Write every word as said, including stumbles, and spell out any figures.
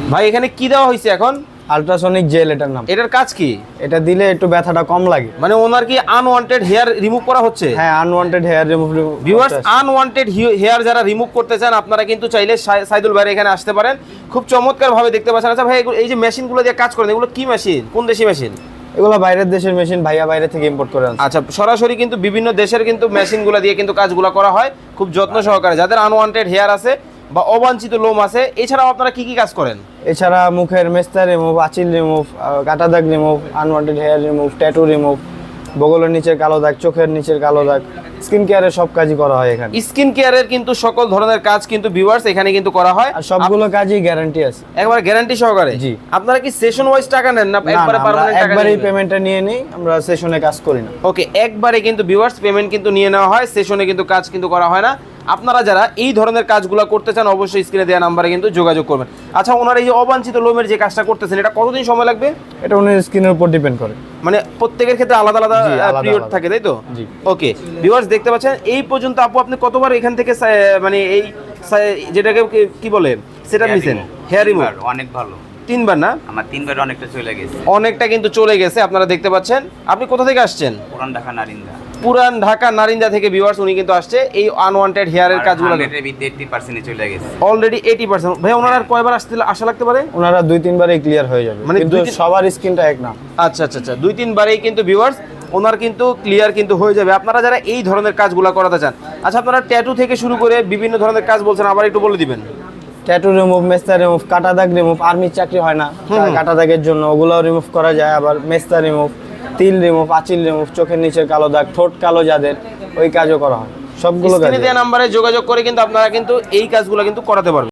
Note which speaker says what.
Speaker 1: ভাই এখানে কি দেওয়া হয়েছে এখন?
Speaker 2: আল্ট্রাসনিক জেল এটার নাম।
Speaker 1: এটার কাজ কি?
Speaker 2: এটা দিলে একটু ব্যথাটা কম লাগে।
Speaker 1: মানে ওনার কি আনওয়ান্টেড হেয়ার রিমুভ করা হচ্ছে?
Speaker 2: হ্যাঁ, unwanted hair remove.
Speaker 1: Viewers, unwanted hair যারা রিমুভ করতে চান আপনারা কিন্তু চাইলে সাইদুল ভাইয়ের এখানে আসতে পারেন। খুব চমৎকার ভাবে দেখতে পাচ্ছেন। আচ্ছা ভাই, এই যে মেশিনগুলো দিয়ে কাজ করেন, এগুলো কি মেশিন, কোন দেশি মেশিন?
Speaker 2: এগুলো বাইরের দেশের মেশিন, ভাইয়া বাইরে থেকে ইম্পোর্ট করে আনছে।
Speaker 1: আচ্ছা, সরাসরি কিন্তু বিভিন্ন দেশের কিন্তু মেশিনগুলো দিয়ে কিন্তু কাজগুলো করা হয় খুব যত্ন সহকারে। যাদের আনওয়ান্টেড হেয়ার আছে বা অবাঞ্ছিত লোম আছে, এছাড়াও আপনারা কি কি কাজ করেন?
Speaker 2: এছাড়া মুখের মেস্তা রিমুভ, আঁচিল রিমুভ, কাটা দাগ remove, unwanted hair remove, tattoo remove, বগলের নিচের কালো দাগ, চোখের নিচের কালো দাগ, স্কিন কেয়ারের সব কাজই করা হয় এখানে।
Speaker 1: স্কিন কেয়ারের কিন্তু সকল ধরনের কাজ কিন্তু ভিউয়ার্স এখানে কিন্তু করা হয়,
Speaker 2: আর সবগুলো কাজই গ্যারান্টি আছে,
Speaker 1: একবার গ্যারান্টি সহকারে।
Speaker 2: জি।
Speaker 1: আপনারা কি সেশন ওয়াইজ টাকা নেন না একবারে পার্মানেন্ট টাকা?
Speaker 2: একবারেই পেমেন্টটা নিয়ে নেই, আমরা সেশনে কাজ করি না।
Speaker 1: ওকে, একবারে কিন্তু ভিউয়ার্স পেমেন্ট কিন্তু নিয়ে নেওয়া হয়, সেশনে কিন্তু কাজ কিন্তু করা হয় না। আপনারা যারা এই ধরনের কাজগুলো করতে চান অবশ্যই স্ক্রিনে দেওয়া নাম্বারে কিন্তু যোগাযোগ করবেন। আচ্ছা, ওনার এই যে অবাঞ্ছিত লোমের যে কাজটা করতেছেন, এটা কতদিন সময় লাগবে?
Speaker 2: এটা ওনার স্কিনের উপর ডিপেন্ড করে,
Speaker 1: মানে প্রত্যেকের ক্ষেত্রে আলাদা আলাদা পিরিয়ড থাকে, তাই তো?
Speaker 2: জি।
Speaker 1: ওকে ভিউয়ার্স, দেখতে পাচ্ছেন এই পর্যন্ত আপু আপনি কতবার এখান থেকে মানে এই যেটাকে কি বলে সেটা নিছেন? হেয়ার রিমুভ
Speaker 3: অনেক ভালো।
Speaker 1: তিনবার না?
Speaker 3: আমার তিনবার অনেকটা চলে গেছে।
Speaker 1: অনেকটা কিন্তু চলে গেছে, আপনারা দেখতে পাচ্ছেন। আপনি কোথা থেকে আসছেন?
Speaker 3: পুরান ঢাকা নারিন্দা।
Speaker 1: পুরান ঢাকা নারিন্দা থেকে ভিউয়ার্স উনি কিন্তু আসছে এই আনওয়ান্টেড হেয়ারের কাজগুলো।
Speaker 3: এইটি পার্সেন্ট চলে গেছে
Speaker 1: অলরেডি এইটি পার্সেন্ট। ভাই ওনার আর কয়বার আসতে আশা লাগতে পারে?
Speaker 2: ওনারা দুই তিনবারই ক্লিয়ার হয়ে যাবে,
Speaker 1: মানে
Speaker 2: কিন্তু
Speaker 1: দুই তিন-
Speaker 2: সবার স্কিনটা এক না।
Speaker 1: আচ্ছা আচ্ছা আচ্ছা, দুই তিনবারেই কিন্তু ভিউয়ার্স ওনার কিন্তু ক্লিয়ার কিন্তু হয়ে যাবে, আপনারা যারা এই ধরনের কাজগুলো করাতে চান। আচ্ছা, আপনারা ট্যাটু থেকে শুরু করে বিভিন্ন ধরনের কাজ বলছেন, আবার একটু বলে দিবেন।
Speaker 2: ট্যাটু রিমুভ, মেস্তা রিমুভ, কাটা দাগ রিমুভ, আর্মির চাকরি হয় না কাটা দাগের জন্য, ওগুলোও রিমুভ করা যায়। আবার মেস্তা রিমুভ, তিল রিমুভ, আঁচিল রিমুভ, চোখের নিচের কালো দাগ, ঠোঁট কালো যাদের, ওই কাজও করা হয়। সবগুলো কাজ
Speaker 1: স্ক্রিনে দেওয়া নাম্বারে যোগাযোগ করে কিন্তু আপনারা কিন্তু এই কাজগুলো কিন্তু করাতে পারবেন।